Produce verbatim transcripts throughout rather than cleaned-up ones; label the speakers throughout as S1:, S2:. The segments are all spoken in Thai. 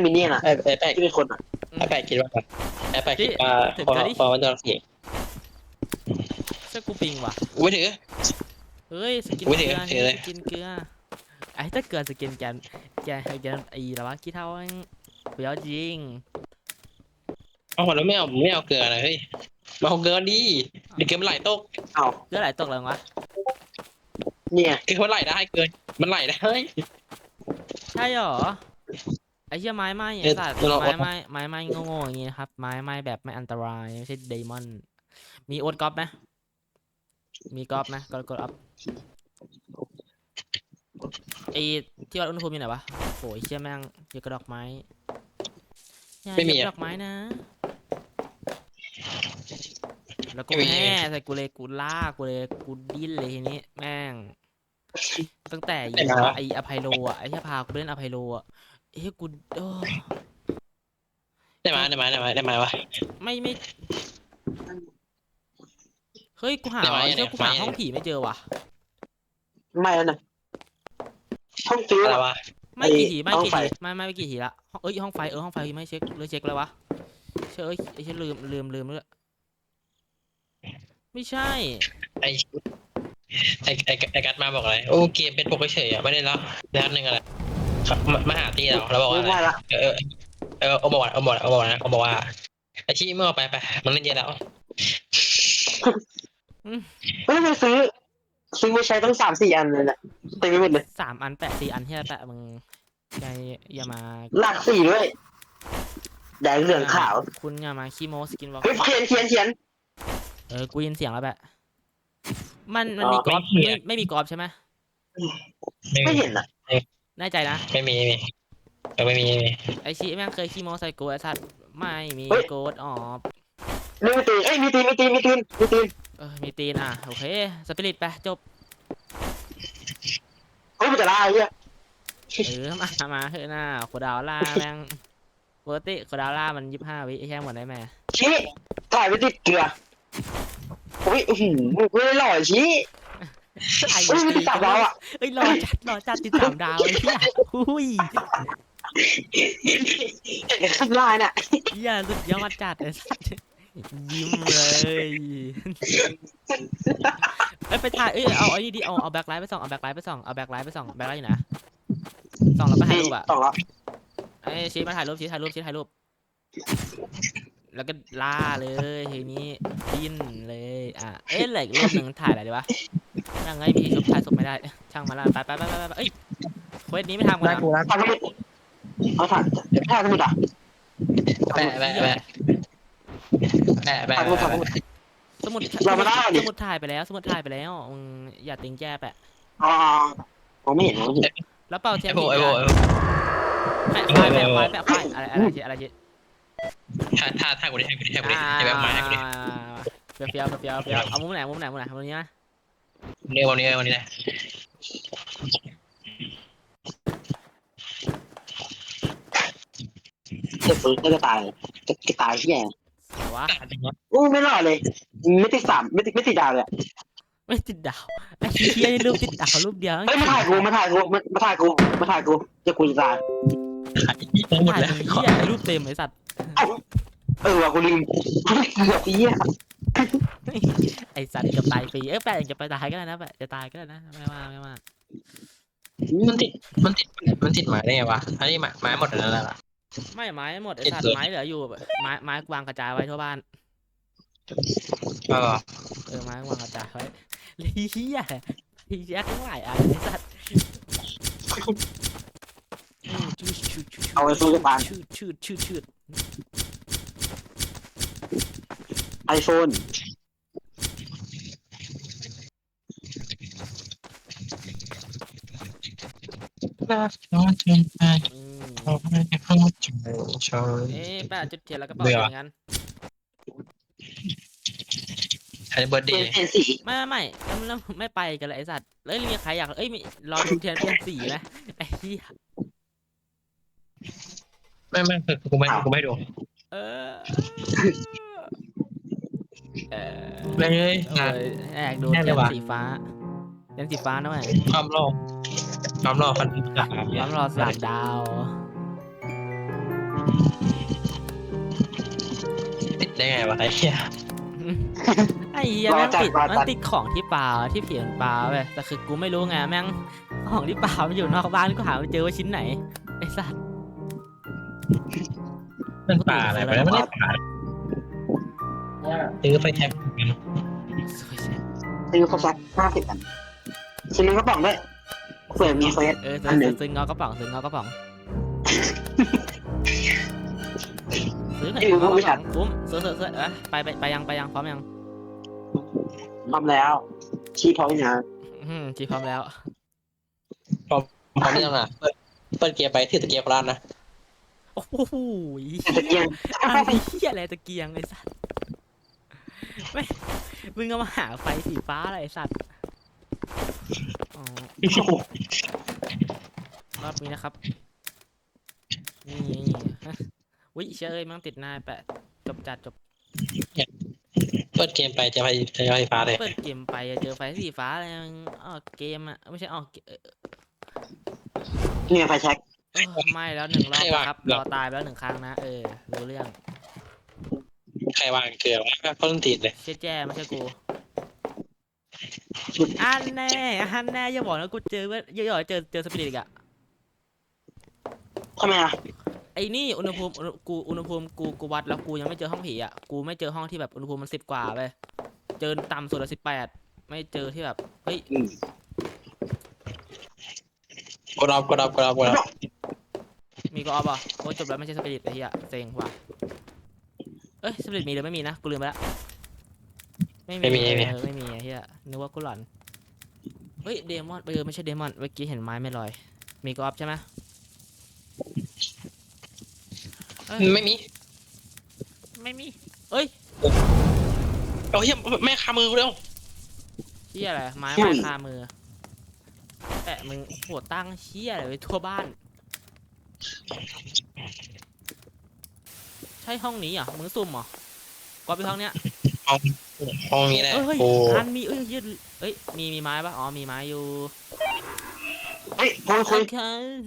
S1: มินเนี่ยนอ่ะ
S2: ไอ้ไอ้แปะ
S1: ที่เป็นคนอ่ะ
S2: ไอ้แปะคิดว่าไอ้แปะคิดว่า
S3: ถึง
S2: พอ
S3: ก็ดิ
S2: พอมันจะเสียง
S3: เสื้อกูปิงว่ะ
S2: อุ้ยถือ
S3: เฮ้ยสกิน
S2: อุ๊ย
S3: เกลือ
S2: ถื
S3: นี่
S2: อเลย
S3: สกินเกลือไอ้ถ้าเกิดสกินแกนแกนแกนไอ้ละวะกี่เท่าเองเดี๋ยวจริง
S2: เอาหัวแล้วไม่เอาไม่เอาเกลือเลยเฮ้ยมาเอาเกลือดิเดี๋ยวเกลือมันไหลตก
S1: เอา
S3: เกลือไหลตกเลยวะ
S1: เนี่ย
S2: เกลือมันไหลได้เกลือมันไหลได้
S3: ใช่หรอไอ้เหี้ยไม้ไหม้
S2: เอ
S3: ไอ้
S2: อ
S3: สัตว์
S2: เรา
S3: ไม้ไหม้ไม้ไหม้โง่ๆอย่างงี้นะครับไม้ไหม้แบบไม่อันตรายไม่ใช่เดมอนมีโอ๊ตก๊อปไหมมีก๊อปไหมก๊อปก๊อปไอ้ที่วัดอุณหภูมิอยู่ไหนวะโอ้ยเชี่ยแม่งเยอะกระดอกไม้อย่า
S2: ไม่มี
S3: เหยียบ
S2: อะ
S3: ดอกไม้นะ แล้วกู
S2: ไม่มี
S3: แห่ใส่กูเลยกูล่ากูเลยกูดิ้นเลยทีนี้แม่งตั้งแต่อยู่ไออภัยโลอ่ะไอ้ที่พากูเล่นอภัยโลอ่ะเอ้ยกูโอ้
S2: ได้ไหมได้ไหมได้ไหมได้ไหมวะ
S3: ไม่ไม่เฮ้ยกูหา
S2: ได้ไหม
S3: เจ้ากูหา
S2: ได้ไหม
S3: ห้องผีไม่เจอว่ะ
S1: ไม่แล้วนะห้องฟิว
S2: อะไรวะ
S3: ไม่กี่ทีไม่
S1: ห้อง
S3: กี่
S1: ไฟ
S3: ทีไม่ไม่ไม่กี่ทีละห้องเอ้ยห้องไฟเออห้องไฟไม่เช็คเลยเช็คเลยวะเชื่อเอ้ยไอ้เชื่อลืมลืมลืมเลยไม่ใช่
S2: ไอไอไอไอกัดมาบอกอะไรโอ้เกมเป็นปกเฉยอ่ะไม่ได้แล้วนัดหนึ่งอะไรครับมามาหาตีเราเราบอกว่า
S1: ไม่
S2: อะไร
S1: ได้ละ
S2: เออเออเอาบอกว่าเอาบอกเอาบอกนะเอาบอกว่าไอชี้เมื่อไปไปมันเล่นเยอะแล้ว
S1: เฮ้ยไปซื้อซื้อมาใช้ตั้งสามสี่อันเลยแหละเต็มไปหมดเลย
S3: สามอันแปะสี่อันที่แปะมึงอย่าอย่ามา
S1: หลักสี่ด้วยแดงเหลืองขาว
S3: คุณอย่ามาขี้โมสกินวอล์ก
S1: เฮ้ยเขียนเขียนเขียน
S3: เออกูยินเสียงแล้วแปะมันมัน
S1: อ๋อ
S3: มีกรอบ
S2: ไม่
S3: ไม่
S2: เห็น
S3: ไม่มีกรอบใช่ไหม
S1: ไม่เห็นอ่ะ
S3: แน่ใจนะ
S2: ไม่มีไม่มีเออไม่มีไม่มี
S3: ไอชีแม่งเคยขี้โมใส่กูไอสัตว์ไม่มีโกดออบ
S1: มีตีนเอ้ยมีตีนมีตีนมีตีนมีตีน
S3: เออมีตีนอ่ะโอเคสปิริตไปจบ
S1: เฮ้ยมันจะล่าไอ้เหี้ย
S3: เออมามาเฮ้ยหน้าโคดาวล่าแม่งปกติโคดาวล่ามันยี่สิบห้าวิไอ้แค่หมดได้ไหม
S1: ชี้ถ่ายไปติดเกลืออุ้ยอื้อหือไม่ได้หล่อชี้
S3: ไอ้
S1: เฮ้ยมันติดสามดาวอ่ะ
S3: เอ้ยรอจัดรอจัดติดสามดาวไอ้เหี้ยหุ้ย
S1: เห็นข้างล่างเนี่ย
S3: เหี้ยสุดยอดจัดไอ้สัตว์ยิ้มเลยเอ้ยไปถ่ายเอ้ยเอาไอ้นี่ดิเอาเอาแบ็คไลท์ไปส่องเอาแบ็คไลท์ไปส่องเอาแบ็คไลท์ไปส่องแบ็คไลท์อยู่นะส่องแล้วก็ถ่ายรูปอ่ะ
S1: ต่อละ
S3: ไอ้ชี้มาถ่ายรูปชี้ถ่ายรูปชี้ถ่ายรูปแล้วก็ล่าเลยทีนี้ดิ้นเลยอ่ะเอ้ยเหลืออีกรูปหนึ่งถ่ายอะไรดีวะนั่งไงมีชุบถ่ายศพไม่ได้ช่างมาละไปไปไปไปไปเอ้ยเควสนี้ไม่ทำกัน
S2: ได้
S3: นะ
S2: กูนะ
S1: ถ่ายสมุดเอาถ่ายถ่ายสมุดอ่ะ
S2: แปะแปะแปะแปะแปะ
S1: ถ่ายสมุดถ่ายสมุด
S3: สมุด
S1: เรามาได้ดิ
S3: สมุดถ่ายไปแล้วสมุดถ่ายไปแล้วมึงอย่าติงแจ้แปะ
S1: อ๋อผมไม่เห็นนะ
S3: แล้วเป่าเทีย
S2: ไอ้
S3: น
S2: โบไอ้โบ
S3: แปะควายแปะควายแปะควายอะไรอะไรอะไรอะไร
S2: ถ้าถ้าถ้ากูได้ให้กูได้ให้กูได้ให้แบบมาให้กูได้
S3: เฟี้ยวเฟี้ยวเฟี้ยวเฟี้ยวเอามุมไหนมุมไหนมุมไหนมุมนี้นะ
S2: เนี่ยวันนี้วันนี้นะ
S1: เจ็บปืนก็จะตายจะจะตายที่แย่
S3: วะ
S1: อู้ไม่รอดเลยไม่ติดสามไม่ติดไม่ติดดาวเลย
S3: ไม่ติดดาวไอ้เหี้ยรูปติดดาวรูปเดียว
S1: เฮ้ยมาถ่ายกูมาถ่ายกูมาถ่ายกูมาถ่ายกูจะกูจะตาย
S2: หมด
S3: ถ่าย
S2: แล้ว
S3: เหี้ยรูปเต็มไอ้สัตว์
S1: เออว่ะกูลืมเกือบปีอ่ะ
S3: ไอ้สัตว์เกือบตายฟรีเอ้ยแปะจะไปตายก็ได้นะแปะจะตายก็ได้นะไม่ว่าไม่ว่า
S2: มันติดมันติดมันติดหมายได้ไงวะอันนี้หมายหมายหมดแล้วล่ะ
S3: ไม่ไม้หมดไอ้สัตว์ไม้เหลืออยู่ไม้ไม้วางกระจายไว้ทั่วบ้าน
S2: เออ
S3: เออไม้วางกระจายไว้เฮียเฮียทั้งหลายอันไอ้สัตว์
S1: เอาไปสู้กับปาน
S3: ชืดชืดชืดชืด
S1: ไอโฟน
S2: น่าจะเป็นไป
S3: อืม
S2: เราไม่ได้เข้าใจชอบ
S3: เอ๊ะแปะจุดเทียนแล้วก็เป่าอย่างนั้น
S2: ใช้เบิร์ด
S1: เป
S2: เด
S1: ลี่ยน
S2: ย์
S1: เปลี่ยนสี
S3: ไม่ไม่ไม่แล้วไม่ไปกันเลยไอ้สัตว์เอ้ยมีใครอยากเอ้ยมีรอดูเทียนเปลี่ยนสีไหมไอ้เหี้ย
S2: ไม่ไม่คือกูไม่กูไม่ดู
S3: เออเออ
S2: เลย
S3: เอออยากดูเทียนสีฟ้าเทียนสีฟ้านะเว้ย
S2: ความรอความรอพันสาม
S3: ร้อนรอสามดาว
S2: ติดได้ไงวะไอ้เหี้ย
S3: ไอ้เหี้ยแม่งติดมันติดของที่ปลาที่เผียนปลาเว้ยแต่คือกูไม่รู้ไงแม่งของที่ปลามันอยู่นอกบ้านกูหาไม่เจอว่าชิ้นไหนไอ้สัตว์
S2: มันป่าอะไรไปแล้วไม่ได้ป่าซื้อไฟแท็บ
S3: สวยใช่
S1: ซื้อเขาสักห้าสิบอันซื้อในกระป๋องด้วยเผื่อมีเฟส
S3: เออ
S1: อันหนึ่
S3: ซื้อง ซื้อเงากระป๋องซื้อเงากระป๋องซื้อหน่อยเงากระป๋องคุ้มซื้อซื้อซื้อเอ้ยไปไปไปยังไปยังพร้อมยัง
S1: พร้อมแล้วชี้พร้อมนะ
S3: อืมจีพร้อมแล้ว
S2: พร้อมพร้อมยังอ่ะเปิดเปิดเกียร์ไปถือตะเกียร์โคราชนะ
S3: โอ้โห
S1: ตะเกียง
S3: อะไรเหี้ยอะไรตะเกียงไอ้สัตว์ไม่มึงเอามาหาไฟสีฟ้าอะไรไอ้สัตว์อ๋อรอบนี้นะครับนี่ฮะวิเชยมั่งติดหน้าแปะจบจัดจบ
S2: เปิดเกมไปจะไฟจะไฟฟ้าเลย
S3: เปิดเกมไปอะเจอไฟสีฟ้าอะไรมึงออกเกมอะไม่ใช่ออกเกเอ่อ
S1: เนี่ยไฟแช็ก
S3: เออไม่แล้วหนึ่งรอบนะครับรอตายไปแล้วหนึ่งครั้งนะเออรู้เรื่อง
S2: ใครวางเกลือวะก็ต้นตีนเลย
S3: เชี่ยแจ้ไม่ใช่กูอันแน่อันแน่อย่าบอกนะกูเจอว่าอย่าบอกเจอเจอสปิริตอีกอะ
S1: ทำไมอ่ะ
S3: ไอ้นี่อุณหภูมิอุณหกูอุณหภูมิกูกูวัดแล้วกูยังไม่เจอห้องผีอ่ะกูไม่เจอห้องที่แบบอุณหภูมิมันสิบกว่าไปเจอต่ำสุดละสิบแปดไม่เจอที่แบบเฮ้ย
S1: อืม
S2: กดรับกดรับกดรับกดรับ
S3: มีก็ออฟอ่ะโอ้ยจบแล้วไม่ใช่สปิริตไอ้เหี้ยเซ็งว่ะเอ้ยสปิริตมีหรือไม่มีนะกูลืมไปละไม่มีไม่มีไม่มีไอ้เหี้ยนึกว่ากูหลอนเฮ้ยเดมอนเออไม่ใช่เดมอนเมื่อกี้เห็นไม้ไม่ลอยมีก็ออฟใช่ไหม
S2: ไม่มี
S3: ไม่มีเอ้ย
S2: โอ้ยแม่คามือเร็ว
S3: เชี่ยอะไรไม้ไม้คามือแปะมึงโหตั้งเชี่ยอะไรไว้ทั่วบ้านใช่ห้องนี้เหรอมึงซุ่มเหรอก็ไปห้องเนี้ย
S2: ห้องห้องนี้แหละ
S3: เอ้ย
S2: โอ้
S3: อันมีเอ้ยยืดเอ้ยมีมีไม้ปะอ๋อมีไม้อยู่
S1: เฮ้ยคุยคุย
S3: โอเค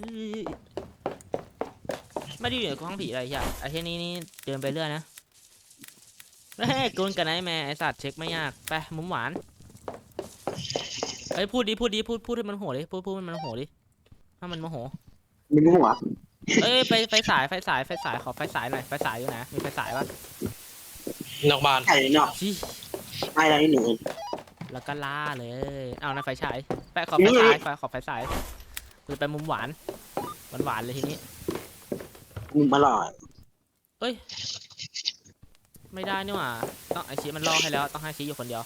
S3: ไม่ได้อยู่ในห้องผีอะไรเหี้ยไอ้เช่นนี้นี่เดินไปเรื่อยนะเฮ้ยกูนกันไอ้แม่ไอ้สัตว์เช็คไม่ยากไปมุมหวานเอ้ยพูดดิพูดดิพูดพูดให้มันโหดิพูดพูดให้มันโหดิถ้ามันโมโห
S1: มีหัว
S3: เอ้ยไฟไฟสายไฟสายไฟสายขอไฟสายหน่อยไฟสายอยู่ไหนมีไฟสายปะ
S2: นอกบ้าน
S1: ไข่เนาะ
S3: ชี้
S1: ไม่ได้หนึ่ง
S3: แล้วก็ล่าเลยเอานะไฟฉายแปะขอไฟสายไฟขอไฟสายกูจะไปมุมหวานหวานหวานเลยทีนี้
S1: มุมอร่อย
S3: เอ้ยไม่ได้นี่หว่าต้องไอชีมันล่อให้แล้วต้องให้ชีอยู่คนเดียว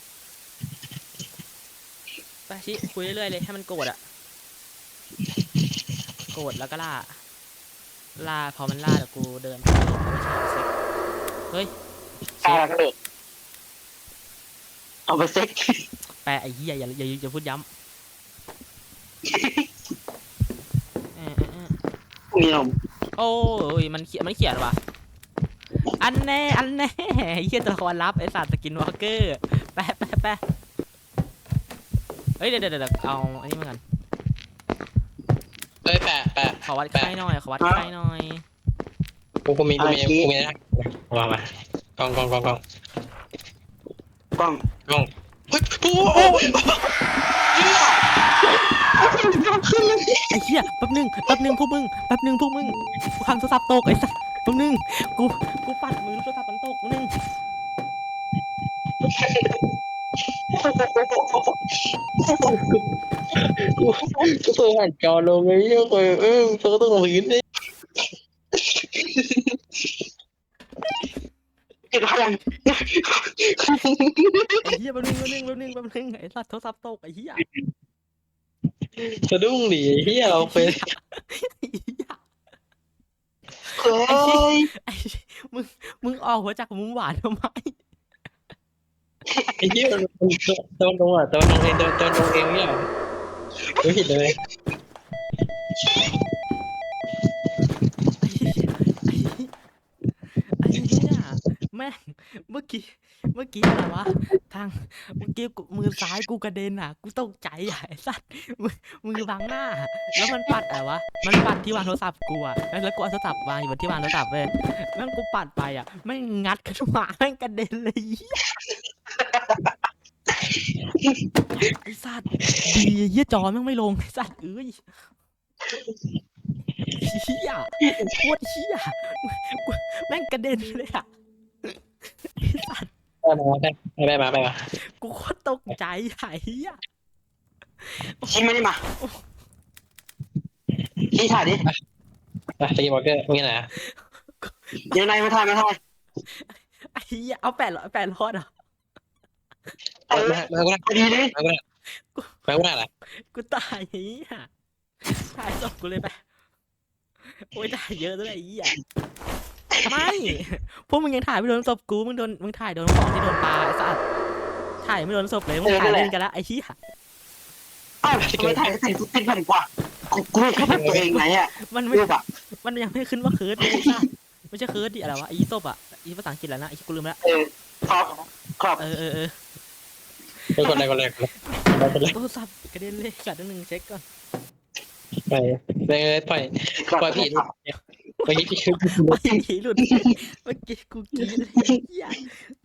S3: ไปชีคุยเรื่อยๆเลยให้มันโกรธอะโกรธแล้วก็ล่าล่าพอมันล่าเดี๋ยวกูเดินไปเฮ้ย
S1: แปลกเลยเอาไปเซ็ก
S3: แปะไอ้เหี้ยอย่าอย่าอย่าพูดย้ำเออเออเออ
S1: มีนม
S3: โอ้ยมันเขียนมันเขียนว่ะอันแน่อันแน่เหี้ยตัวละครลับไอสัตว์สกินวอล์กเกอร์แปะแปะแปะเฮ้ยเดี๋ยวเดี๋ยวเดี๋ยวเอาอันนี้มากัน
S2: เอ้ยแปะแปะ
S3: ขอวัดไข้หน่อยขอวัดไข้หน่อย
S2: กูกูมีกูมีกูมีนะวางมากล้องกล้องกล้องกล้อง
S1: กล้อง
S2: กล้องเฮ้ยโอ้โห
S3: ไอ้เหี้ยแป๊บนึงแป๊บนึงพวกมึงแป๊บนึงพวกมึงกูทำโทรศัพท์ตกไอ้สัสแป๊บนึงกูกูปัดมือโทรศัพท์มันตกแป๊บนึง
S2: กูกูตัวหันจอลงเลยเยอะไปเออเธอก็ต้องลงพื้นดิ
S1: เก็บพลัง
S3: ไอ้เหี้ยแป๊บนึงแป๊บนึงแป๊บนึงแป๊บนึงไอ้สัสโทรศัพท์ตกไอ้เหี้ย
S2: สะดุ้งดิเฮียเราเป็น
S1: เฮ้ย
S3: ไอ้มึงมึงออกหัวจากมุมหวานทำไม
S2: ไอ้เหี้ยตัวตัวตรงอ่ะตัวตรงเองตัวตัวตรงเองเนี่ยไม่ผิดเลย
S3: ไอ้เหี้ยแม่งเมื่อกี้เมื่อกี้อะไรวะทางเมื่อกี้กูมือซ้ายกูกระเด็นอ่ะกูตกใจอ่ะไอ้สัตว์มือมือบังหน้า แล้วมันปัดอะไรวะมันปัดที่วางโทรศัพท์กูอ่ะแล้วกูเอาโทรศัพท์วางอยู่บนที่วางโทรศัพท์เว้ยแม่งกูปัดไปอ่ะแม่งงัดขึ้นมาแม่งกระเด็นเลยไอ้สัตว์ดีเหี้ยจอแม่งไม่ลงไอ้สัตว์เอ้ยเหี้ยโคตรเหี้ยกูแม่งกระเด็นเลยอ่ะไอ้สัตว์
S2: ไปมาไปมาไปมา
S3: กูโคตรตกใจไอ้เหี้ย
S1: ชี้ไม่ได้มาชี้ถ่ายดิ
S2: ไปสกีบอร์เกอร์มีไหนอ่ะ
S1: เดี๋ยวนายมาถ่ายมาถ่าย
S3: ไอ้เหี้ยเอาแปดร้อยแปดร้อยเหรอ
S1: เออ
S2: มามากูได้
S1: พอดีเลย
S2: มากูได้มากูได้ละ
S3: กูตายไอ้เหี้ยถ่ายศพกูเลยไปโอ้ยถ่ายเยอะด้วยไอ้เหี้ยไม่พวกมึงยังถ่ายไม่โดนศพกูมึงโดนมึงถ่ายโดนของที่โดนปลาไอ้สัสถ่ายไม่โดนศพเลยมึงถ่ายเล่นกันละไอ้เหี้ย
S1: อ้าวทำไมถ่ายใส่ทุกติดพันกว่ากูกูแค่ตัวเองไหนอ่ะ
S3: มันไม่
S1: รูปอ่ะ
S3: มันยังไม่ขึ้นว่าเคิร์ดเลยไอ้สัสไม่ใช่เคิร์ดดิอะไรวะไอ้ศพอ่ะไอ้ภาษาอังกฤษแล้วนะไอ้กูลืมแล้ว
S1: เออขอบขอบ
S3: เออเออเออ
S2: ไปกดอะไรกดอะไรกดอะไร
S3: โทรศัพท์กระเด็นเลยกัดนิดนึงเช็คก่อน
S2: ไปเลยปล่อย
S1: ขอบ
S2: ปล่อยผีเมื่อกี้พี่คือ
S3: ไม่ผีหลุดเมื่อกี้กูกินเลยเหี้ยกู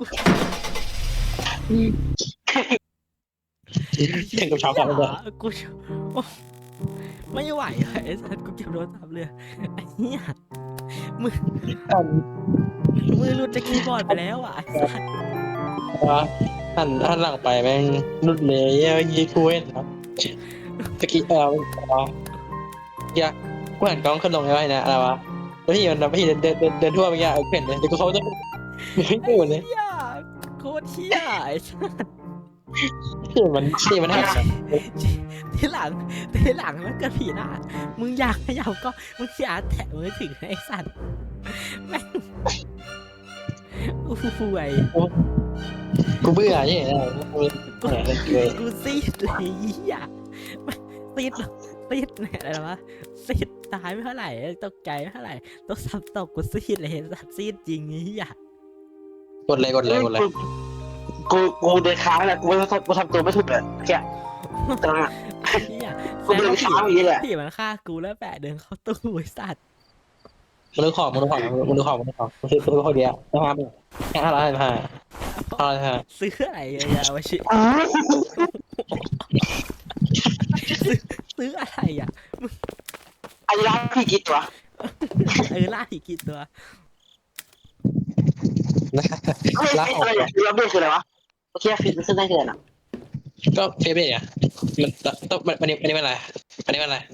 S2: ถึงกับช็อกเลย
S3: กูโอ้ไม่ไหวอะไอ้สัสกูเก็บโทรศัพท์เลยไอ้เหี้ยมือมือหลุดจากคีย์บอร์ดไปแล้วอ่ะไอ้สัส
S2: ว่าหันหันหลังไปแม่งนุดเลยเมื่อกี้กูเห็นครับตะกี้เออเดี๋ยวกูหันกล้องขึ้นลงไว้นะอะไรวะแล้วพี่มันพี่เดินเดินเดินเดินทั่วไปเงี้ยเห็นเลยแต่กูเขาจะไม่เกิดเลย
S3: เหี้ยโคตรเหี้ยไอ้สัส
S2: ที่มันที่มันหัก
S3: ทีหลังทีหลังมันเกิดผีหน้ามึงอยากขยับก็มึงอย่าแตะมือถึงไอ้สัสแม่งอู้หูไอ้
S2: กูเบื่อเนี่ยกู
S3: กู
S2: เลย
S3: กูซีดเลยเหี้ยซีดซีดเนี่ยอะไรวะซีดตายไม่เท่าไหร่ตกใจไม่เท่าไหร่ต้องซับตกกูซีดเลยสัตว์ซีดจริงไอ้เหี้ย
S2: กดเลยกดเลยกดเลย
S1: กูกูเดินค้างแหละกูไม่กูทำตัวไม่ถูกเลยแกตอนนั้น
S3: ไอ้เหี้ย
S1: กูเดินค้างอย่างนี้แหละ
S3: ผีมันฆ่ากูแล้วแปะเดินเข้าตู้ไอ้สัตว์
S2: มึงดูของมึงดูของมึงดูของมึงดูของมึงซื้อซื้อคนเดียวนะครับแค่ห้าร้อยห้าห้าร้อยห้า
S3: ซื้ออะไรอะวะชิ
S1: อ๋อ
S3: ซื้อซื้ออะไรอ่ะ
S1: อันนี้ร้านพี่กี่ตัว
S3: เออล่าผีกี่ตัว
S1: เฮ้ยอะไรอ่ะรับเบี้ยคืออะไรวะโอเคฟิตมันขึ้นได้คืออะไรนะ
S2: ก็เฟเบ้อะมันต้องมันมันนี่มันอะไรมันนี่มันอะไร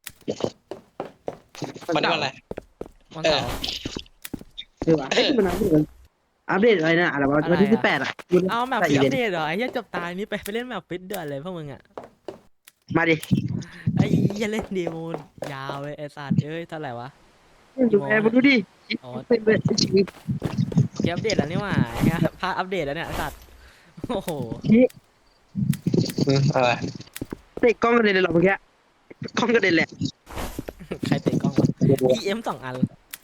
S2: มันนี่มันอะไร
S3: วัน
S2: เอ
S3: เสา
S2: อ
S3: ร์
S1: คือว่าไอ้มันอัปเดตอัปเดตอะไรนะอะไรวะวันที่สิบแปดอ่ะ
S3: เอาแมปผีอัปเดตเหรอไอ้เหี้ยจบตายนี่ไปไปเล่นแมปฟิตเดือดเลยพวกมึงอ่ะ
S1: มาดิ
S3: ไอ้เหี้ยเล่นเดโมยาวเลยไอ้สัตว์เอ้ยเท่าไหร่วะ
S1: ดูแอร์มาดูดิ
S3: อ๋อ
S1: เป็นเป็นชีวิต
S3: เกียอัปเดตแล้วนี่หว่าไอ้เหี้ยพาอัปเดตแล้วเนี่ยไอ้สัตว์โอ้โห
S2: อะไร
S1: เตะกล้องกระเด็นเลยหรอเมื่อกี้กล้องกระเด็นแหละ
S3: ใครเตะกล้องวะ อี เอ็ม สองอัน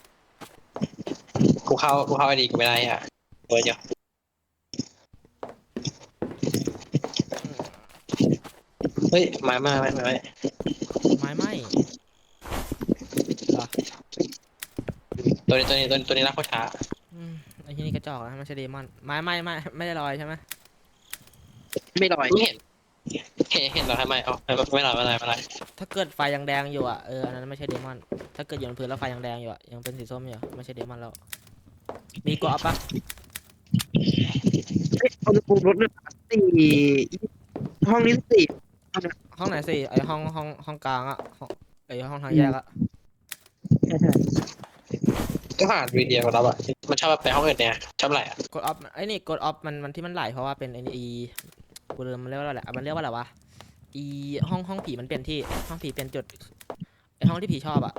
S2: กูเข้ากูเข้าไอดีกูไม่ได้อ่ะเออเดี๋ยวเฮ้ยมามาไม่ไม่
S3: ไม้ไหม้เหรอ
S2: ตัวนี้ตัวนี้ตัวนี้ตัวนี้รักโคช้า
S3: อืมไอ้ที่นี่กระจอกนะไม่ใช่เดมอนไม้ไหม้ไม่ไม่ได้ลอยใช่ไหม
S1: ไม่ลอย
S2: ไม่เห็นเห็นเห็นเราทำไมอ๋อไม่หรอไม่ไรไม่ไร
S3: ถ้าเกิดไฟยังแดงอยู่อ่ะเอออันนั้นไม่ใช่เดมอนถ้าเกิดอยู่บนพื้นแล้วไฟยังแดงอยู่อ่ะยังเป็นสีส้มอยู่ไม่ใช่เดมอนแล้วมีกรอบปะ
S1: เอ้ยเอาปูรถเลยสี่ห้องนี้สี่
S3: ห้องไหนสิไอห้องห้องห้องกลางอ่ะห้องไอห้องทางแยกอ่ะ
S2: ก็ผ่านวีดีโอของเราอ่ะมันชอบไปห้องอื่นเนี่ยชอบอะไรอ่ะ
S3: กดออฟไอนี่กดออฟมันมันที่มันไหลเพราะว่าเป็นไออีกูลืมมันเรียกว่าอะไรมันเรียกว่าอะไรวะอีห้องห้องผีมันเปลี่ยนที่ห้องผีเปลี่ยนจุดไอห้องที่ผีชอบอ่ะ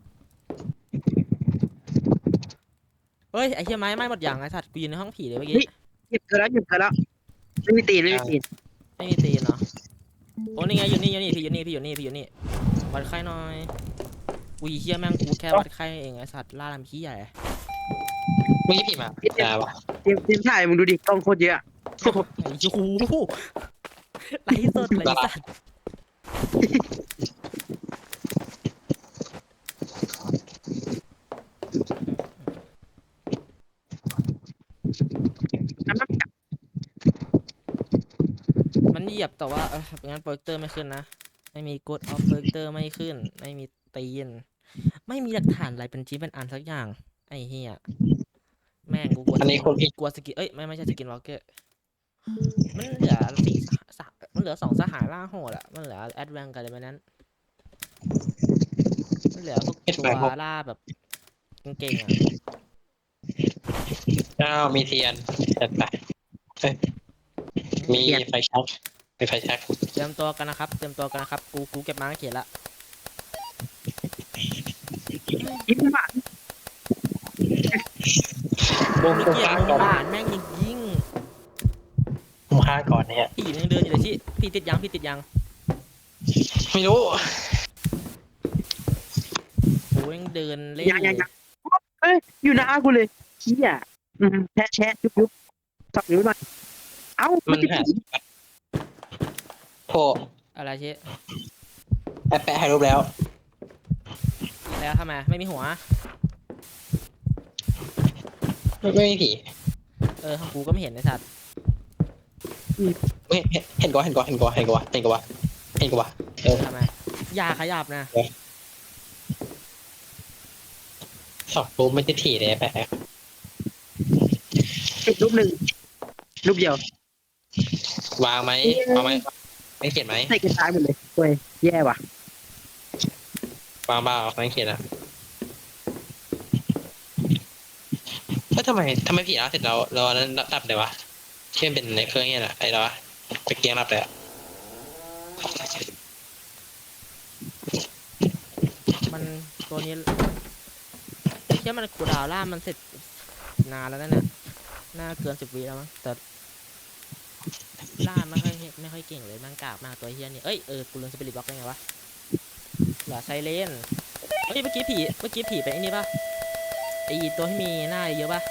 S3: เฮ้ยไอเชี่ยไม้ไม้หมดอย่างไอสัตว์กูยืนในห้องผีเลยเมื่อกี้
S1: หยิบเธอแล้วหยิบเธอแล้วไม่มีตีนไม่มีตีน
S3: ไม่มีตีนเหรอโอ้นี่ไงอยู่นี่อยู่นี่พี่อยู่นี่พี่อยู่นี่พี่อยู่นี่วัดไข้หน่อยอุ้ยเฮียแม่งกูแค่วัดไข้เองไอสัตว์ล่าลำขี้ใหญ่
S2: เมื่อกี้ผีมาอ่าวะ
S1: เตรียมเตรียมถ่ายมึงดูดิกล้องโคตรเยอะ
S3: ไอ้ยูหูไลฟ์สดไลฟ์สัตว์มันเหยียบแต่ว่าเอองั้นโปรเจคเตอร์ไม่ขึ้นนะไม่มีกดออฟโปรเจคเตอร์ไม่ขึ้นไม่มีตีนไม่มีหลักฐานอะไรเป็นชิ้นเป็นอันสักอย่างไอ้เหี้ยแม่งกูกลัว
S2: อันนี้คนผิด
S3: กลัวสกินเอ้ยไม่ไม่ใช่สกินวอล์กเกอร์มันเหลือสี่สหสหมันเหลือสองสหายล่าโหดอะมันเหลือแอดแวนกับอะไรแบบนั้นมันเหลือพวกตัวล่าแบบเก่งๆอะ
S2: อ้าวมีเทียนจัดไปเอ้ยมีไฟแช็กมีไฟแช็ก
S3: เตรียมตัวกันนะครับเตรียมตัวกันนะครับกูกูเก็บมาเขียนละ
S1: ยิ้มหวาน
S2: บุ้ม
S3: เมื่อ
S2: บุ้ม
S3: กี้
S2: ฆ่า
S3: มึง
S2: ก่อน
S3: หานแม่งยิงยิง
S2: บุ้มฆ่าก่อนเนี่ย
S3: ผีมันยังเดินอยู่เลยที่พี่ติดยังพี่ติดยัง
S2: ไม่รู้
S3: โอ้ยยังเดินเล่น
S1: ยัง
S3: อ
S1: ยัง
S3: ยู่
S1: ยังเอ้ยอยู่หน้ากูเลยเฮียอืมแชะแชะยุบยุบสับนิ้วหน่อยเอ้า
S2: มันหาโผล่
S3: อะไรเช่
S2: แปะแปะให้รูปแล้ว
S3: แล้วทำไมไม่มีหัว
S2: ไม่ไม่มีผี
S3: เออของกูก็ไม่เห็นไอ้สัตว์
S2: ไม่เห็นเห็นกว่าเห็นกว่าเห็นกว่าเห็นกว่าเห็นกว่าเห็นกว่าเออ
S3: ทำไมอย่าขยับนะ
S2: สองรูปไม่ใช่ผีเลยแปะ
S1: ติดรูปหนึ่งรูปเดียว
S2: วางไหมวางไหมไม่เขียนไหม
S1: ใส่กระจายหมดเลยเว้ยแย่ว่ะ
S2: วางเปล่าไม่เขียนอ่ะแล้วทำไมทำไมผีเราเสร็จเราเราอันนั้นดับเลยวะที่มันเป็นในเครื่องเนี่ยแหละไอ้เราไปเกียงดับเลยอะ
S3: มันตัวนี้ไอ้เชี่ยมันกูดาวล่ามันเสร็จนานแล้วนั่นน่ะน่าเกินสิบวิแล้วมั้งแต่ล่าไม่ค่อยไม่ค่อยเก่งเลยมันกากมากตัวเฮียนี่เอ้ยเออกูลืมสปิริตบล็อกได้ไงวะเหลือไซเลนเฮ้ยเมื่อกี้ผีเมื่อกี้ผีเป็นไอ้นี่ปะไอ้ตัวที่มีหน้าเยอะปะ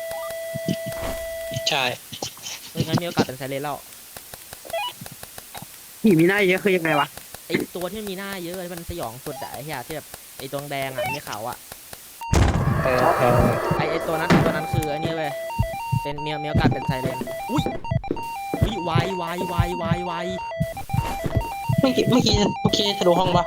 S2: ใช่
S3: เอองั้นมีโอกาสเป็นไซเลนแล้ว
S1: ผีมีหน้าเยอะคือยังไงวะ
S3: ไอ้ตัวที่มันมีหน้าเยอะที่มันสยองสุดอะไอ้เหี้ยที่แบบไอ้ตัวแดงอะมีเขาอะ
S2: เออเออ
S3: ไอ้ไอ้ตัวนั้นไอ้ตัวนั้นคือไอ้นี่เว้ยเป็นมีมีโอกาสเป็นไซเลนอุ้ยอุ้ยวายวายวายวายวาย
S2: เมื่อกี้เมื่อกี้เมื่อกี้ทะลุห้องปะ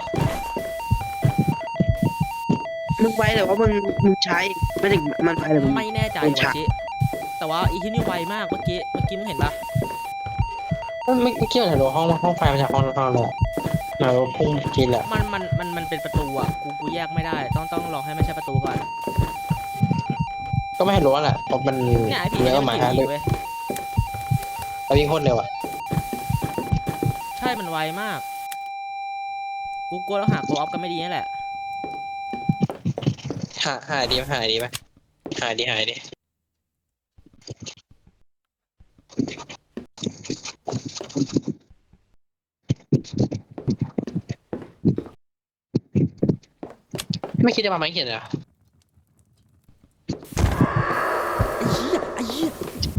S1: มึงไว้แต่ว่ามึงมึงใช้ไม่ถึงมันไปเลยมึง
S3: ไม่แน่ใจ
S1: เป็น
S3: วะ
S1: ฉาก
S3: ชิแต่ว่าอีที่นี่ไวมากเมื่อกี้เมื่อกี้มึงเห็นปะ
S2: เมื่อเมื่อกี้มันทะลุห้องห้องไฟมาจากห้องห้องเลยอะเราพุ่งกินแหละ
S3: มันมันมันมันเป็นประตูอะกูกูแยกไม่ได้ต้องต้องรอให้ไม่ใช่ประตูก่อน
S2: ก็ไม่ให้รู้แหละเพราะมัน
S3: เนี่ยไอ้ผี
S2: เนื้
S3: เนี่
S2: อย ห
S3: มั
S2: มาน ย
S3: ผี
S2: ฮะเลย
S3: เว้ย
S2: แล้ววิ่งโคตรเร็วอ่ะ
S3: ใช่มันไวมากกูกลัวเราหาโคออฟกันไม่ดีนี่แหละ
S2: หาหายดีไหมหายดีไหมหายดีหายดีไม่คิดจะมาไหมเขียนเหรอ
S3: ไอ้เหี้ยไอ้เหี้ย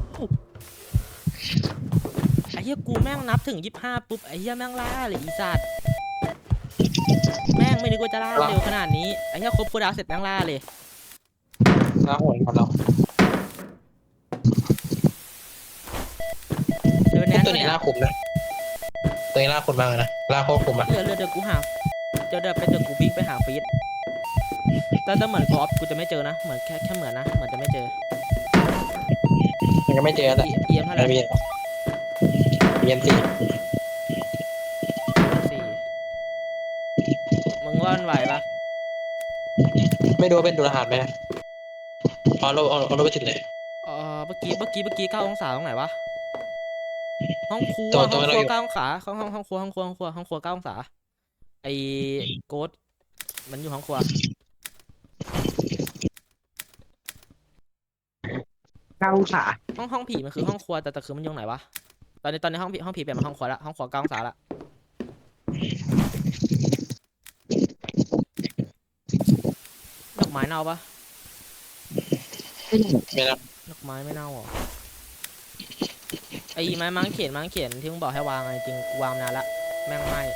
S3: ไอ้เหี้ยกูแม่งนับถึงยี่สิบห้าปุ๊บไอ้เหี้ยแม่งล่าเลยอีสัตว์แม่งไม่นึกว่าจะล่าเร็วขนาดนี้ไอ้เหี้ยครบคูลดาวน์เสร็จแม่งล่าเลย
S2: น่าโหดของเรา
S3: เดินแน่น
S2: ตัวนี้
S3: เนี่ย
S2: ล่าคุมนะตัวนี้ล่าคุมมากเลยนะล่าโคตรคุมอ่ะ
S3: เดี๋ยวเดี๋ยวเดี๋ยวกูหาเดี๋ยวเดี๋ยวไปเดี๋ยวกูวิ่งไปหาฟีดแต่แต่เหมือนคออฟกูจะไม่เจอนะเหมือนแค่แค่เหมือนนะเหมือนจะไม่เจอ
S2: มันก็ไม่เจอแหละ
S3: เอียมเท่าไหร่
S2: ไม่มีเยี่ยมสี่
S3: สี่มึงว่ามันไหวปะ
S2: ไม่รู้ว่าเป็นดูรหัสไหมนะเอาเราเอาเอาเราไปติดเลย
S3: เออเมื่อกี้เมื่อกี้เมื่อกี้เก้าองศาตรงไหนวะห้องครัว
S2: ตัว
S3: ห้
S2: ตั
S3: อ
S2: ว
S3: ง
S2: เรา
S3: ครั
S2: อ
S3: ว
S2: ยู่
S3: เก้าองศาห้องห้องห้องครัวห้องครัวห้องครัวห้องครัวเก้าองศาไอ้โกดมันอยู่ห้องครัว
S1: เก้าองศา
S3: ห้องห้องผีมันคือห้องครัวแต่แต่คือมันอยู่ไหนวะตอนนี้ตอนนี้ห้องผีห้องผีเปลี่ยนมาห้องครัวละห้องครัวเก้าองศาละดอกไม้เน่าปะ
S1: ไม่ได้
S2: ไม่ได้
S3: ดอกไม้ไม่เน่าเหรอไอ้ไม้มังเขียนมังเขียนที่มึงบอกให้วางไงจริงกูวางนานละแม่งไม่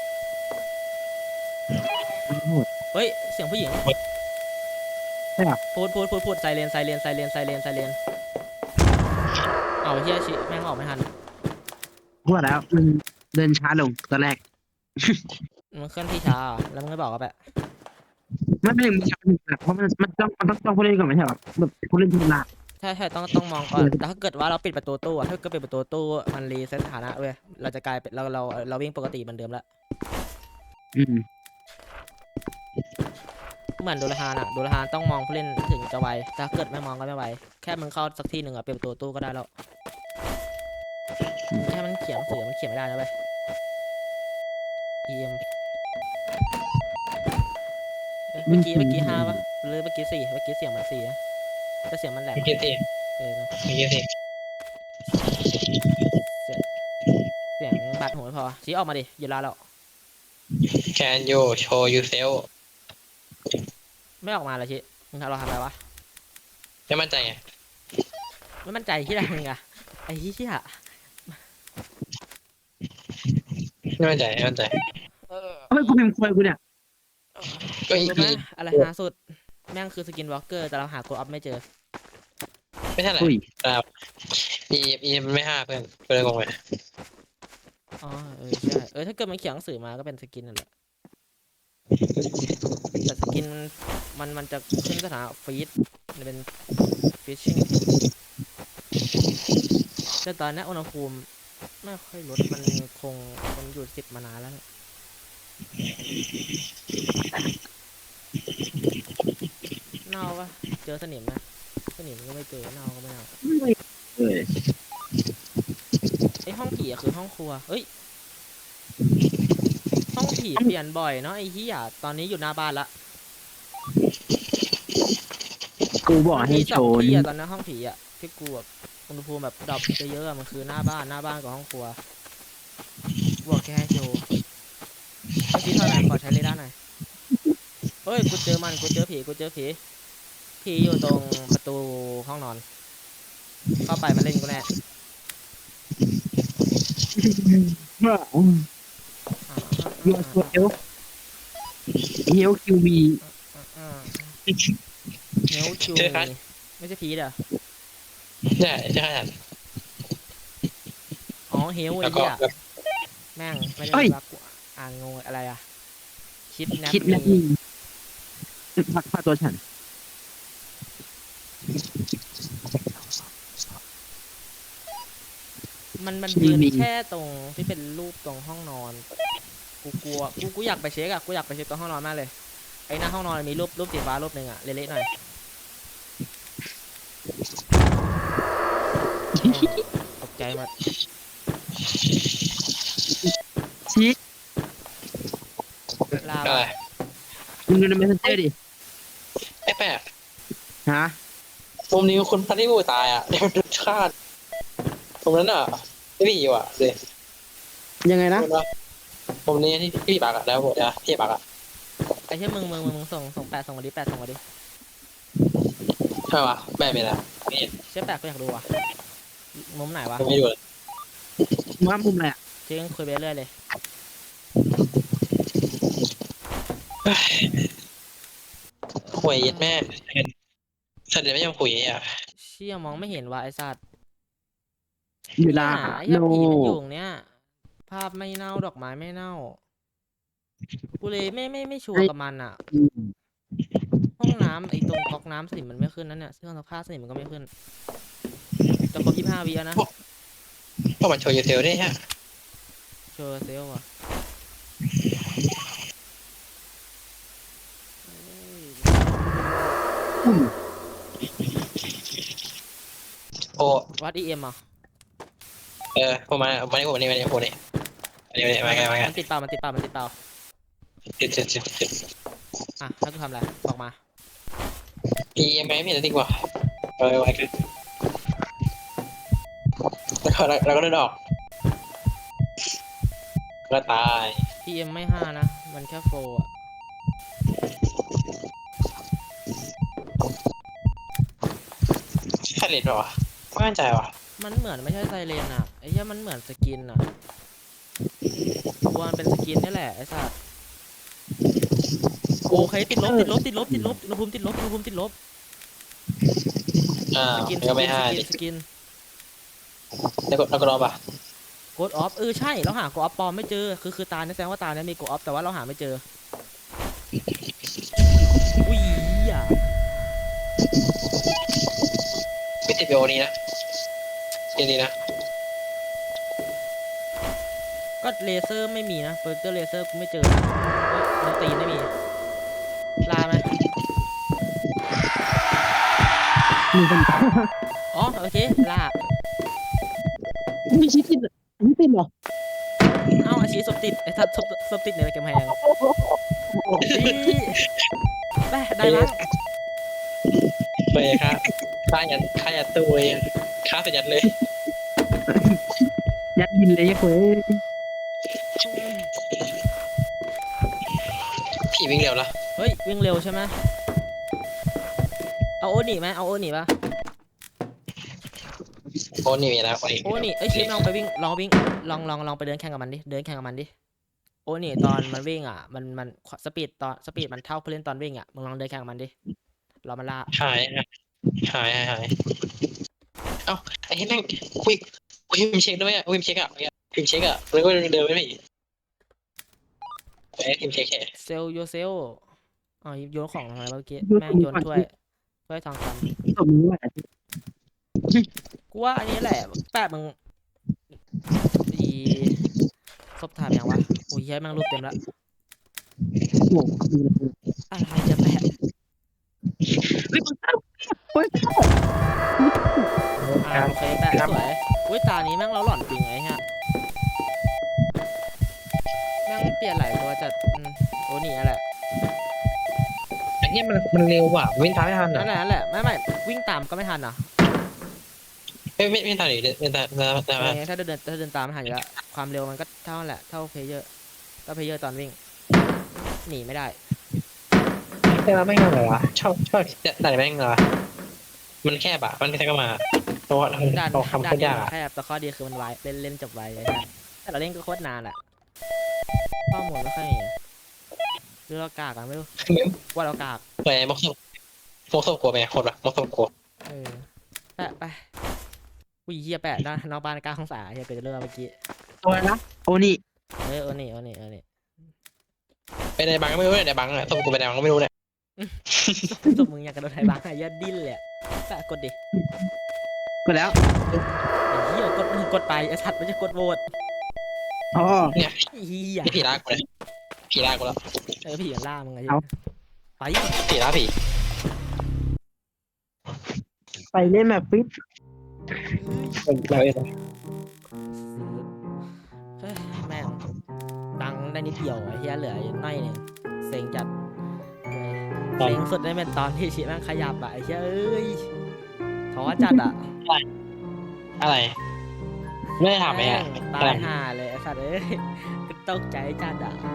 S1: ไม่โหด
S3: เฮ้ยเสียงผู้หญิง
S1: ใช่ปะ
S3: พูดพูดพูดพูดไซเรนไซเรนไซเรนไซเรนไซเรนเอาเฮียชิแม่งออกไม่ทัน
S1: พูดแล้วมันเดินช้าลงตอนแรก
S3: มันเคลื่อนที่ช้าอะแล้วมึงไม่บอกก็แบบ
S1: ไม่ไม่มึงช้าหนึ่งเพราะมันมันต้องมันต้องต้องผู้เล่นก่อนไม่ใช่หรอแบบผู้เล่นทีมละ
S3: ใช่ใช่ต้องต้องมองก่อนแต่ถ้าเกิดว่าเราปิดประตูตู้อะถ้าเกิดปิดประตูตู้มันรีเซ็ตสถานะเว้ยเราจะกลายเป็นเราเราเราวิ่งปกติเหมือนเดิมละ
S1: อืม
S3: เหมือนโดราฮานอะโดราฮานต้องมองผู้เล่นถึงจะไวถ้าเกิดไม่มองก็ไม่ไวแค่มึงเข้าสักที่หนึ่งอะเปิดประตูตู้ก็ได้แล้วแค่มันเขียนหนังสือมันเขียนไม่ได้นะเว้ย อี เอ็ม เอ้ยเมื่อกี้เมื่อกี้ห้าปะหรือเมื่อกี้สี่เมื่อกี้เสียงมันสี่นะแต่เสียงมันแหลม
S2: เมื่อกี้สิ
S3: เออเนอะ
S2: เมื่อกี้สิ
S3: เสียงบัดหูไม่พอชี้ออกมาดิอยู่ลาแล้ว
S2: Can you show yourself
S3: ไม่ออกมาเลยชี้มึงทำเราทำอะไรวะ
S2: ไม่มั่นใจไง
S3: ไม่มั่นใจที่ไหนมึงอะไอ้เหี้ย
S2: ไม่มั่นใจไม่มั่นใจ
S3: เออ
S1: ทำไมกูพิมพ์ควยกูเนี่ย
S2: ก็อี
S3: รู้ไหม
S2: อี
S3: อะไรหาสุดแม่งคือสกินวอล์กเกอร์แต่เราหาโกอัพไม่เจอ
S2: ไม่ใช่แหละ
S1: อุ้ย
S2: ครับอีอีมันไม่ห้าเพื่อนเพื่อนงงไหม
S3: อ๋อเออใช่เออถ้าเกิดมันเขียนหนังสือมาก็เป็นสกินนั่นแหละแต่สกินมันมันจะขึ้นสถานะฟีดมันเป็นฟิชชิ่งแต่ตอนนี้อุณหภูมิไม่ค่อยลดมันคงมันอยู่สิบมานานแล้วแหละเน่าปะเจอสนิมนะสนิมก็ไม่เจอเน่าก็ไม่เน่า
S1: เออ
S3: ไอห้องผีอะคือห้องครัวเฮ้ยห้องผีเปลี่ยนบ่อยเนาะไอ้เหี้ยตอนนี้อยู่หน้าบ้านละ
S1: กูบอก
S3: มัน
S1: ให้
S3: มีส
S1: โช
S3: อง
S1: ว์
S3: ที่อะตอนนั้นห้องผีอะที่กูแบบอุณหภูมิแบบดรอปเยอะๆอะมันคือหน้าบ้านหน้าบ้านกับห้องครัวบอกแค่ให้โชว์เมื่อกี้เท่าไหร่ขอใช้เรดาร์หน่อยเฮ้ยกูเจอมันกูเจอผีกูเจอผีผีอยู่ตรงประตูห้องนอน เข้าไปมันเล่นกูแน่
S1: ว่า
S3: อ่า
S1: ยูสเอลเฮลคิวบี
S3: อ่าอ่าเนวคิวมีไม่ใช่ผีเด้อ
S2: ใช่ใช่ขนาด
S3: อ๋อเฮลไอ้
S2: แล้วก็
S3: เหี้ย
S2: แบบ
S3: แม่งไม่ได้รักกูอ่านงงอะไรอะคิดแนป
S1: คิดนะ
S3: มี
S1: มีพักพาตัวฉัน
S3: มันมันยืนแค่ตรงที่เป็นรูปตรงห้องนอน กูกลัวกูกูอยากไปเช็คอะกูอยากไปเช็คตรงห้องนอนมากเลยไอ้หน้าห้องนอนมีรูปรูปสีฟ้ารูปหนึ่งอะเละๆหน่อยตกใจหมด
S1: ชี้
S3: ลา
S2: อะไร
S3: วะ
S1: มึงดูในเมสเซนเจอร์ดิ
S2: ไอ้แปะ
S1: ฮะ
S2: มุมนี้คุณพันที่กูตายอ่ะเดี๋ยวมันชาติตรงนั้นอ่ะไม่มีอยู่อ่ะเลย
S1: ยังไงนะ
S2: มุมนี้ที่พี่ปากอ่ะแล้วหมดอ่ะพี่ปากอ่ะ
S3: ไอ้เช่มึงมึงมึงมึงส่งส่งแปดส่งมาดิแปดส่งมาดิ
S2: ใช่ปะแม่เป็นอ่ะนี่
S3: เช่แปดก็อยากดูว่ะมุมไหนวะ
S2: ไม่ดูเลย
S1: ว่ามุมอะไรอ่ะ
S3: เจ๊งคุยไปเรื่อยเลย
S2: คุยยัดแม่สัตว์เดี๋ยวไม่ยอมคุยอ่ะ
S3: เชี่ยมองไม่เห็นว่ะไอ้สัตว์
S1: อยู่ลา
S3: เนี่ยไอ้
S1: โน
S3: เหี้ยผีมันอยู่ตรงเนี้ยภาพไม่เน่าดอกไม้ไม่เน่ากูเลยไม่ไม่ไม่ชัวร์กับมันอ่ะ
S1: อืม
S3: ห้องน้ำไอ้ตรงก๊อกน้ำสนิมมันไม่ขึ้นนั่นเนี่ยเครื่องซักผ้าสนิมมันก็ไม่ขึ้นจะครบยี่สิบห้าวิแล้วนะ
S2: เพราะมันโชว์ยูเทลได้ฮะ
S3: โชว์เซลล์อ่ะเอ้ย
S1: อืม
S2: โอ้
S3: วัดอีเอ็มอ่ะ
S2: เออผมมาวันนี้ผมวันนี้วันนี้ผมนี่วันนี้วันนี้มาไงมาไง
S3: มันติดเปล่ามันติดเปล่ามันติดเปล่า
S2: ติดติดติดติด
S3: อ่ะแล้วกูทำอะไรบอกมา
S2: พีเอ็มไม่มีอะไรดีกว่าเออไว้กันแล้วก็แล้วก็เดินออกก็ตาย
S3: พีเอ็มไม่ห้านะมันแค่โฟร์อ่ะ
S2: เลนเปล่าวะไม่มั่นใจว่ะ
S3: มันเหมือนไม่ใช่ไซเรนอ่ะไอ้เหี้ยมันเหมือนสกินอ่ะตัวมันเป็นสกินนี่แหละไอ้สัสโอเคติดลบติดลบติดลบติดลบอุณหภูมิติดลบอุณหภูมิติดลบ
S2: อ่า
S3: สกินส
S2: ก็
S3: กิ
S2: ไม่
S3: นส
S2: ให้
S3: กินสกิน
S2: แล้วก็แล้วก็รอป่ะ
S3: โกดออฟเออใช่เราหาโกดออฟปลอมไม่เจอคือคือตาเนี่ยแสดงว่าตาเนี่ยมีโกดออฟแต่ว่าเราหาไม่เจออุ้ยอ่ะ
S2: ไม่ติดวิดีโอนี้นะเกมนี้นะ
S3: ก็เลเซอร์ไม่มีนะเบอร์เกอร์เลเซอร์กูไม่เจอนะเฮ้ยโดนตีนไม่มีลาไหม
S1: มีคน
S3: อ๋อโอเคลา
S1: มีชิ้นติดอันนี้ติดเหรอ
S3: เอ้าอาชีพศพติดไอ้ทัดศพศพติดในกำแพงนี่ได้ได้ละ
S2: ไปครับฆ่ายันฆ่ายันตัวเองฆ่าสยันเลย
S1: ยัดยินเลยเว้ย
S2: ผีวิ่งเร็วละ
S3: เฮ้ยวิ่งเร็วใช่ไหมเอาโอนี่ไหมเอาโอนี่ปะ
S2: โอ้นี่มีแล้วโอ้นี่
S3: โอนี่เอ้ยชิปลองไปวิ่งลองวิ่งลองลองลองไปเดินแข่งกับมันดิเดินแข่งกับมันดิโอนี่ตอนมันวิ่งอ่ะมันมันสปีดตอนสปีดมันเท่าผู้เล่นตอนวิ่งอ่ะมึงลองเดินแข่งกับมันดิรอมันล่า
S2: หายหายหายหายเอ้าไอ้แม่งคุยคุยพิมเช็คด้วยอ่ะพิมเช็คอ่ะพิมเช็คอ่ะแล้วก็เดินไปไม่ไอ้พิมเช็คแค่
S3: เซลโยเซลอ๋อโยนของทำไมเมื่อกี้แม่งโยนถ้วยถ้วยทองค
S1: สมมติว่า
S3: ำกูว่าอันนี้แหละแปะมึงอีศพถ่ายยังวะโอ้ยแม่งรูปเต็มแล้ว
S1: โอ้โห
S3: อะไรจะแปะ
S1: เฮ้ยมันเฮ้ย
S3: อ่าโอเคแปะสวยอุ้ยตานี้แม่งเราหล่อนจริงไอ้เหี้ยแม่งเปลี่ยนหลายตัวจัดอืมโอ้นี่นั่นแหละ
S2: ไอ้เนี่ยมันมันเร็วว่ะวิ่งตามไม่ทัน
S3: นั่
S2: อ่ะ
S3: นแหละนั่นแหละไม่ไม่วิ่งตามก็ไม่ทันอ่ะ
S2: ไม่ไม่ไม่ทันหรือไม่ทันไม่ทัน
S3: เออถ้าเดินถ้าเดินตามไม่ทันอยู่แล้วความเร็วมันก็เท่านั้นแหละเท่าเพลเยอร์ก็เพลเยอร์ตอนวิ่งหนีไม่ได้
S2: แต่ว่าไม่งอะไรวะชอบชอบแต่แม่งเหรอมันแค่บะมันแค่ก็มาเพราะว่า
S3: ด่าน
S2: เราทำ
S3: ด่า
S2: โคน ตร
S3: นี้
S2: ยาก
S3: มัน
S2: อะ
S3: แคบแต่ข้อดีคือมันไวเล่นเล่นจบไวไอ้เหี้ยแต่เราเล่นก็โคตรนานอ่ะข้อมูลไม่ค่อยมีหรือเรากากกันไม่รู้ว่าเรากาก
S2: ไปมกศพมกศพกลัวไหมโคตรวะมกศพกลัว
S3: เออแปะไปอุ้ยเฮียแปะด้านนอกบ้านกลางของสาเฮียเกิดจะเรื่องเมื่อกี้
S1: ตัวนะโอ้นี่
S3: เออเออนี่เออนี่เออนี่
S2: ไปในบังก็ไม่รู้เนี่ยในบังอะศพกูไปในบังก็ไม่รู้เนี่ย
S3: สมมึงอยากกระโดดไทยบ้างอะยัดดิ้นเลยอะแปะกดดิ
S1: ก็แล้ว
S3: ไอ้เฮียกดกดไปไอ้สัตว์มันจะกดโหวต
S1: อ๋อ
S2: เนี่ย
S3: เฮีย
S2: นี่ผีลากกูเลยผีลากกูแล้ว
S3: เออผีมันล่ามึงไง
S1: เอา
S3: ไป
S2: ผีลากผี
S1: ไปเล่นแบบฟิต
S2: เราเอง
S3: เฮ้ยแม่งดังได้นิดเดียวไอ้เฮียเหลืออยู่น้อยหนึงเซ็งจัดเซ็งสุดได้เป็นตอนที่ชีแม่งขยับอะไอ้เฮียเอ้ยท้อจัดอะ
S2: อะไรไม่ได้ถามไหมอะ
S3: แม่งตายห่าเลยไอ้สัตว์เอ้ยตกใจจัดอะ